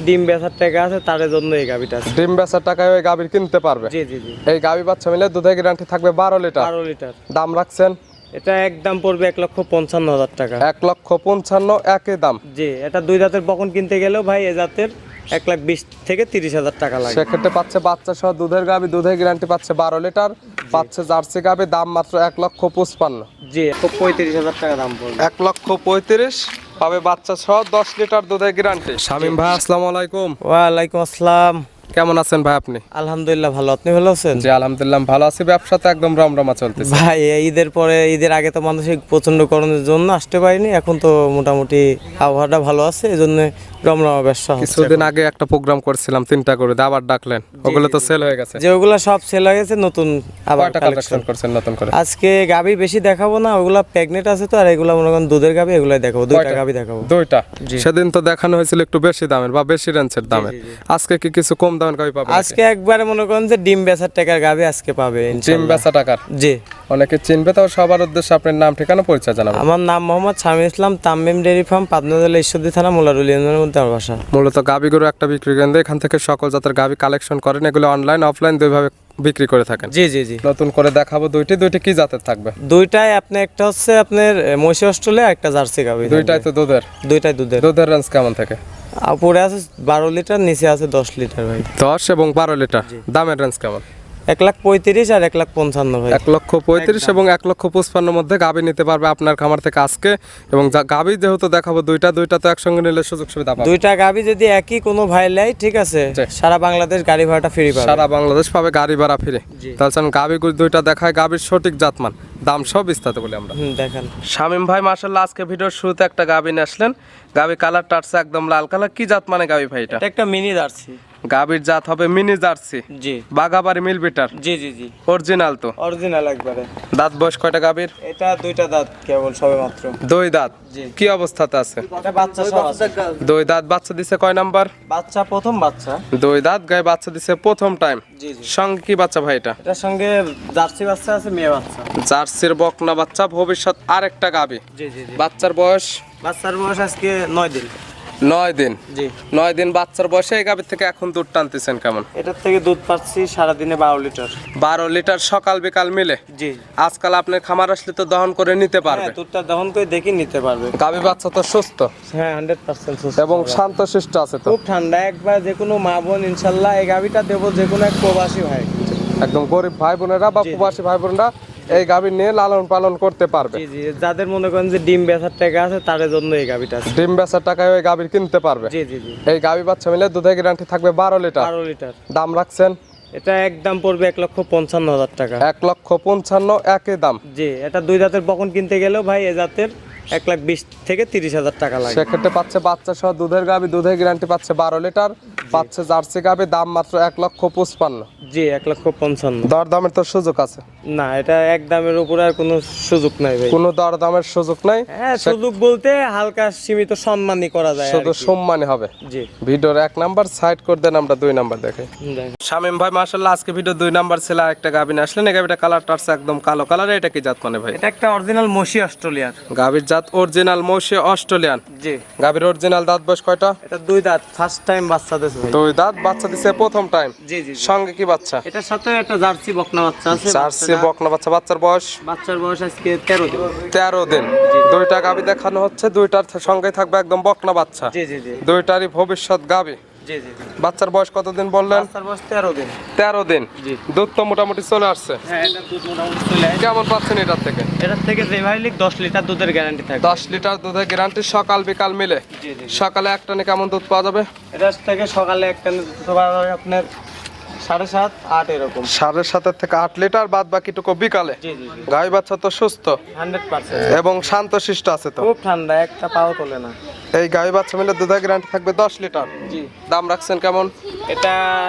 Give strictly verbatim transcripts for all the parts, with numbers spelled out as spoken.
ডিম বেচার টাকা আছে তার জন্য এই গাবিটা আছে। ডিম বেচার টাকায় ওই গাভীর কিনতে পারবে। জি জি জি। এই গাভী বাচ্চা মিলে দুধের গ্যারান্টি থাকবে বারো লিটার। বারো লিটার। দাম রাখছেন? এটা একদম পড়বে এক লক্ষ পঞ্চান্ন হাজার টাকা। এক লক্ষ পঞ্চান্ন একই দাম। জি, এটা দুই দাঁতের বকন কিনতে গেলেও ভাই এ জাতের এক লাখ বিশ থেকে তিরিশ হাজার টাকা লাগে। সেক্ষেত্রে পাচ্ছে বাচ্চা সহ দুধের গাভী, দুধের গ্যারান্টি পাচ্ছে বারো লিটার। পাচ্ছে জার্সি গাভী, দাম মাত্র এক লক্ষ পঁচপান্ন। জি, পঁয়ত্রিশ হাজার টাকা দাম পড়বে। এক লক্ষ পঁয়ত্রিশ পাবে বাচ্চা সহ দশ লিটার দুধের গ্যারান্টি। শামীম ভাই আসসালামু আলাইকুম। ওয়ালাইকুম আসসালাম। কেমন আছেন ভাই আপনি? আলহামদুলিল্লাহ ভালো, আপনি ভালো আছেন? জি আলহামদুলিল্লাহ ভালো আছি, ব্যবসা তো একদম রমরমা চলতেছে। ভাই ঈদের পরে, ঈদের আগে তো মানুষের প্রচন্ড গরমের জন্য আসতে পারিনি, এখন তো মোটামুটি আবহাওয়াটা ভালো আছে, এই জন্য রমরমা ব্যবসা হচ্ছে। কিছুদিন আগে একটা প্রোগ্রাম করেছিলাম তিনটা করে, আবার ডাকলেন, ওগুলো তো সেল হয়ে গেছে। যে ওগুলা সব সেল হয়ে গেছে, নতুন আবার কালেকশন করছেন নতুন করে। আজকে গাবি বেশি দেখাবো না, ওগুলা প্রেগনেন্ট আছে তো, আর এগুলা মনে করেন দুধের গাবি, এগুলাই দেখাবো, দুইটা গাবি দেখাবো। দুইটা? সেদিন তো দেখানো হয়েছিল একটু বেশি দামের বা বেশি রেঞ্জের দামের, আজকে কি কিছু কম দামের গাবি পাবে? আজকে একবারে মনে করেন যে ডিম বেচার টাকার গাবি আজকে পাবে। ডিম বেচা টাকার? জি। অনেকে চিনবে, তাও সবার উদ্দেশ্যে আপনার নাম ঠিকানা পরিচয় জানাবেন। আমার নাম মোহাম্মদ শামীম ইসলাম, তামিম ডেয়ারি ফার্ম, পাবনা জেলা ঈশ্বরদী থানা, মোলারুল ইউনিয়নের মধ্যে আমার বাসা। মূলত গাবি গরু একটা বিক্রি কেন্দ্র, এখান থেকে সকল জাতের গাবি কালেকশন করেন, এগুলো অনলাইন অফলাইন দুইভাবে বিক্রি করে থাকেন। জি জি জি। নতুন করে দেখাবো দুইটি, দুইটি কি জাতের থাকবে? দুইটাই আপনি, একটা হচ্ছে আপনার মহিষী অস্ট্রেলিয়া, একটা জার্সি গাবি। দুইটাই তো দুধের? দুইটাই দুধের। দুধের রেঞ্জ কেমন থাকে? উপরে আছে বারো লিটার, নিচে আছে দশ লিটার ভাই। দশ এবং বারো লিটার। দামের রেঞ্জ কেমন? এক লাখ পঁয়ত্রিশ আর এক লাখ পঞ্চান্ন ভাই। এক লক্ষ পঁয়ত্রিশ এবং এক লক্ষ পঁচপান্ন মধ্যে গাবি নিতে পারবে আপনার খামার থেকে আজকে। এবং গাবি যেহেতু দেখাবো দুইটা, দুইটা তো একসঙ্গে নিলে সুযোগ সুবিধা পাবে। দুইটা গাবি যদি একই কোনো ভাই লাই, ঠিক আছে, সারা বাংলাদেশ গাড়ি ভাড়াটা ফ্রি পাবে। সারা বাংলাদেশ পাবে গাড়ি ভাড়া ফ্রি। তাহলে গাবি দুইটা দেখায়, গাবির সঠিক জাতমান, দাম সব বিস্তারিত বলি আমরা। দেখেন শামীম ভাই মাশাআল্লাহ আজকে ভিডিওর শুরুতে একটা গাবি নিয়ে আসলেন। গাবি কালারটা আছে একদম লাল কালার, কি জাত মানে গাবি ভাই? এটা একটা মিনি জার্সি। গাবির জাত হবে মিনি জার্সি। জি। বাগাবাড়ি মিল বিটার? জি জি জি। অরিজিনাল তো? অরিজিনাল একবারে। দাঁত বয়স কয়টা গাবির? এটা দুইটা দাঁত কেবল সবে মাত্র। দুই দাঁত? জি। কি অবস্থাতে আছে? এটা বাচ্চা সব আছে। দুই দাঁত, বাচ্চা দিছে কয় নাম্বার? বাচ্চা প্রথম বাচ্চা। দুই দাঁত, গায়ে বাচ্চা দিছে প্রথম টাইম। জি জি। সঙ্গে কি বাচ্চা ভাই এটা? এটার সঙ্গে জার্সি বাচ্চা আছে, মেয়ে বাচ্চা। জার্সির বকনা বাচ্চা, ভবিষ্যৎ আরেকটা গাবি। জি জি জি। বাচ্চার বয়স? বাচ্চার বয়স আজকে নয় দিন। নয় দিন? জি। নয় দিন বাচ্চার বয়সে এই গাবির থেকে এখন দুধ টানতেছেন কেমন? এটার থেকে দুধ পাচ্ছি সারাদিনে বারো লিটার। বারো লিটার সকাল বিকাল মিলে? জি। আজকাল আপনার খামার আসলে তো দহন করে নিতে পারবে? হ্যাঁ, দুধটা দহন করে দেখি নিতে পারবে। গাবি বাচ্চা তো সুস্থ? হ্যাঁ, হান্ড্রেড পার্সেন্ট সুস্থ এবং শান্তশিষ্ট আছে তো? খুব ঠান্ডা একবার, যে কোনো মা বোন ইনশাল্লাহ এই গাবিটা দেবো, যে কোনো এক প্রবাসী ভাই, একদম গরিব ভাই বোনেরা বা প্রবাসী ভাই বোনেরা এই গাবি নিয়ে লালন পালন করতে পারবে। জি জি। যাদের মনে করেন যে ডিম বেচার টাকা আছে তার জন্য এই গাবিটা আছে। ডিম বেচার টাকায় ওই গাবি কিনতে পারবে। জি জি জি। এই গাবি বাচ্চা মিলে দুধের গ্যারান্টি থাকবে বারো লিটার। বারো লিটার। দাম রাখছেন? এটা একদম পড়বে এক লক্ষ পঞ্চান্ন হাজার টাকা। এক লক্ষ পঞ্চান্ন একই দাম। জি। এটা দুই দাঁতের বকন কিনতে গেলেও ভাই এ জাতের এক লাখ বিশ থেকে তিরিশ হাজার টাকা লাগে। সেক্ষেত্রে পাচ্ছে বাচ্চা সহ দুধের গাবি, দুধের গ্যারান্টি পাচ্ছে বারো লিটার। পাচ্ছে জার্সি গাবি, দাম মাত্র এক লক্ষ পঁচপান্ন। জি, এক লক্ষ পঞ্চান্ন। দর দামের তো সুযোগ আছে? না, এটা এক দামের উপরে আর কোনো সুযোগ নাই ভাই। কোনো দর দামের সুযোগ নাই? হ্যাঁ, সুযোগ বলতে হালকা সীমিত সম্মানই করা যায়, শুধু সম্মানই হবে। জি। ভিডিওর এক নাম্বার সাইড করে দেন, আমরা দুই নাম্বার দেখে। শামীম ভাই মাশাআল্লাহ আজকে ভিডিও দুই নাম্বার ছিল, একটা গাবি নিয়ে আসলেন। এই গাবিটা কালারটা আছে একদম কালো কালার, এটা কি জাত মানে ভাই? এটা একটা অরিজিনাল মহিষী অস্ট্রেলিয়ার গাবির জাত অরিজিনাল মহিষী অস্ট্রেলিয়ান? জি। গাবির অরিজিনাল দাঁত বয়স কয়টা? এটা দুই দাঁত, ফার্স্ট টাইম বাচ্চা দিছে ভাই। দুই দাঁত, বাচ্চা দিছে প্রথম টাইম? জি জি। সঙ্গে কি বাচ্চা? এটার সাথে একটা জার্সি বকনা বাচ্চা আছে। জার্সি বকনা বাচ্চা। বাচ্চার বয়স? বাচ্চার বয়স আজকে তেরো দিন। তেরো দিন। দুইটা গাবি দেখানো হচ্ছে, দুইটার সঙ্গে থাকবে একদম বকনা বাচ্চা। জি জি জি। দুইটারই ভবিষ্যৎ গাবি। জি জি জি। বাচ্চার বয়স কতদিন বললেন? বাচ্চার বয়স তেরো দিন। তেরো দিন। জি। দুধ তো মোটামুটি চলে আসছে? হ্যাঁ, এটা দুধ মোটামুটি চলে আসে। কেমন পাচ্ছেন এটার থেকে? এটার থেকে যে ভাই লিখ দশ লিটার দুধের গ্যারান্টি থাকে। দশ লিটার দুধের গ্যারান্টি সকাল বিকাল মিলে? জি জি। সকালে এক টানে কেমন দুধ পাওয়া যাবে? এটার থেকে সকালে একটা দুধ পাওয়া যাবে আপনার সাড়ে সাত আট এরকম। সাড়ে সাতের থেকে আট লিটার, বাদ বাকিটুকু বিকালে? জি জি জি। গাই বাচ্চা তো সুস্থ হান্ড্রেড পার্সেন্ট এবং শান্তশিষ্ট আছে তো? খুব ঠান্ডা, একটা পাও তোলে না। এই গাই বাচ্চা মিলে দুধের গ্যারান্টি থাকবে দশ লিটার। জি। দাম রাখছেন কেমন? এটা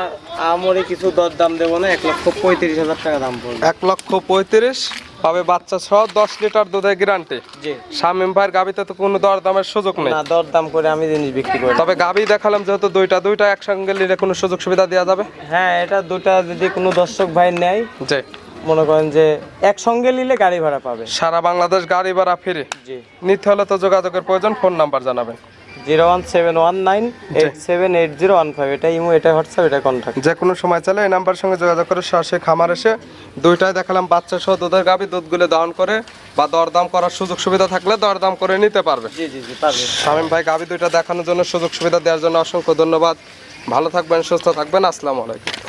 আমরে কিছু দর দাম দেবো না, এক লক্ষ পঁয়ত্রিশ হাজার টাকা দাম পড়বে। এক লক্ষ পঁয়ত্রিশ পাবে বাচ্চা সহ দশ লিটার দুধের গ্যারান্টি। জি। শামীম ভাইয়ের গাবিতে তো কোনো দর দামের সুযোগ নেই? না, দর দাম করে আমি জিনিস বিক্রি করি। তবে গাবি দেখালাম যেহেতু দুইটা, দুইটা একসঙ্গে নিলে কোনো সুযোগ সুবিধা দেওয়া যাবে? হ্যাঁ, এটা দুটা যদি কোনো দর্শক ভাই নেয়, জি, মনে করেন যে একসঙ্গে নিলে গাড়ি ভাড়া পাবে। সারা বাংলাদেশ গাড়ি ভাড়া ফ্রি। জি। নিতে হলে তো যোগাযোগের প্রয়োজন, ফোন নাম্বার জানাবেন। Zero one seven one nine eight seven eight zero one five এটা ইমো, এটা হোয়াটসঅ্যাপ, এটা কন্ট্যাক্ট। যে কোনো সময় চাইলে এই নাম্বারের সঙ্গে যোগাযোগ করে সরাসরি খামার এসে দুইটাই দেখালাম বাচ্চা সহ দুধের গাভী, দুধগুলো দহন করে বা দরদাম করার সুযোগ সুবিধা থাকলে দরদাম করে নিতে পারবে। জি জি জি পারবে। শামীম ভাই গাভী দুইটা দেখানোর জন্য, সুযোগ সুবিধা দেওয়ার জন্য অসংখ্য ধন্যবাদ। ভালো থাকবেন, সুস্থ থাকবেন, আসসালামু আলাইকুম।